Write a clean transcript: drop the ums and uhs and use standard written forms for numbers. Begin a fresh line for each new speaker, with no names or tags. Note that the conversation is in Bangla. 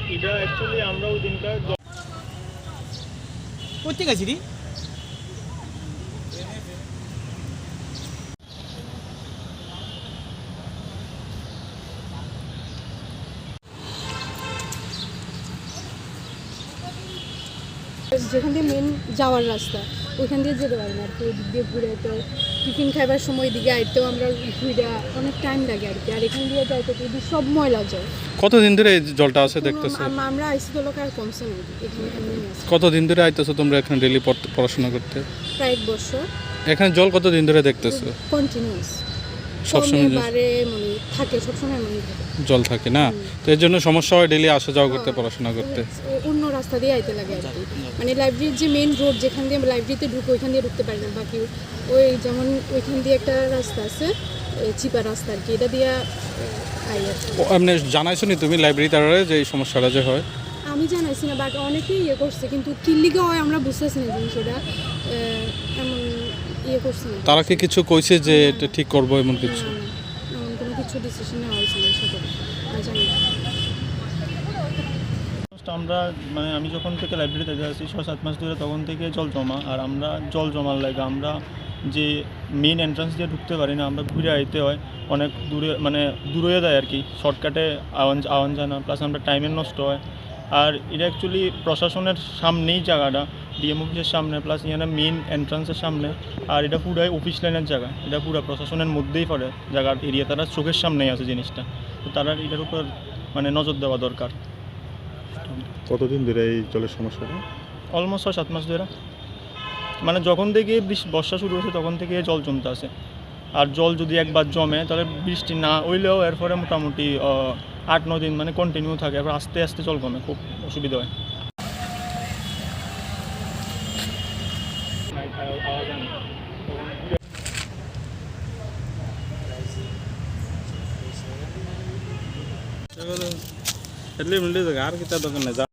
এটা অ্যাকচুয়ালি আমরা ওই দিনকার
করতে গেছি রে
যেখান দিয়ে মেন যাওয়ার রাস্তা ওইখান দিয়ে যেতে পারি না আর কি। ওই দিক দিয়ে ঘুরে তো টিফিন খাইবার সময় দিকে আইতেও আমরা ঘুরে অনেক টাইম লাগে আর কি। আর এখান দিয়ে যাইতে যদি সব ময়লা যায়।
কতদিন ধরে এই জলটা আছে দেখতেছো?
আমরা আইসি তো লোক আর কমছে না এখানে আছে।
কতদিন ধরে আইতেছো তোমরা এখানে ডেইলি পড়াশোনা করতে?
প্রায় 1 বছর।
এখানে জল কতদিন ধরে দেখতেছো?
কন্টিনিউয়াস
সবসময়
বারে মানে থাকে, সবসময় মানে থাকে
জল থাকে না, তো এর জন্য সমস্যা হয় ডেইলি আসা যাওয়া করতে, পড়াশোনা করতে।
অন্য রাস্তা দিয়ে আইতে লাগে আর কি। মানে লাইব্রেরির যে মেন রোড যেখান দিয়ে লাইব্রেরিতে ঢুকে ওইখান দিয়ে ঢুকতে পারি না। বাকি ওই যেমন ওইখান দিয়ে একটা রাস্তা আছে চিপা রাস্তা আর কি, এটা দিয়ে আই আর কি।
এমনি জানাইছো নি তুমি লাইব্রেরি তারারে যে এই সমস্যাটা যে হয়?
আমি জানাইছি না, বাট অনেকেই করছে, কিন্তু কিল্লিগা হয় আমরা বুঝতেছি না জিনিসটা এমন করছে না।
তারা কি কিছু কইছে যে এটা ঠিক করবো এমন কিছু?
এমন কোনো কিছু ডিসিশন নেওয়া হয়েছে না সাথে জানি না।
আমরা মানে আমি যখন থেকে লাইব্রেরিতে যাচ্ছি 6-7 মাস ধরে, তখন থেকে জল জমা। আর আমরা জল জমার লাগে আমরা যে মেন এন্ট্রান্স দিয়ে ঢুকতে পারি না, আমরা ঘুরে আইতে হয় অনেক দূরে, মানে দূরে দেয় আর কি। শর্টকাটে আওয়ান যায় না, প্লাস আমরা টাইমের নষ্ট হয়। আর এটা অ্যাকচুয়ালি প্রশাসনের সামনেই জায়গাটা, ডিএম অফিসের সামনে, প্লাস এখানে মেন এন্ট্রান্সের সামনে। আর এটা পুরাই অফিস লাইনের জায়গা, এটা পুরো প্রশাসনের মধ্যেই পড়ে জায়গার এরিয়া। তারা চোখের সামনেই আছে জিনিসটা, তো তারা এটার উপর মানে নজর দেওয়া দরকার।
কতদিন ধরে এই জলের সমস্যাটা?
অলমোস্ট 6-7 মাস ধরে, মানে যখন থেকে বর্ষা শুরু হয়েছে তখন থেকে জল জমতে আছে। আর জল যদি একবার জমে তাহলে বৃষ্টি না হইলেও এরপরে মোটামুটি 8-9 দিন মানে কন্টিনিউ থাকে। এরপর আস্তে আস্তে জল কমে, খুব অসুবিধা হয়।
এটলি মিলতে আর কিতা দোকানে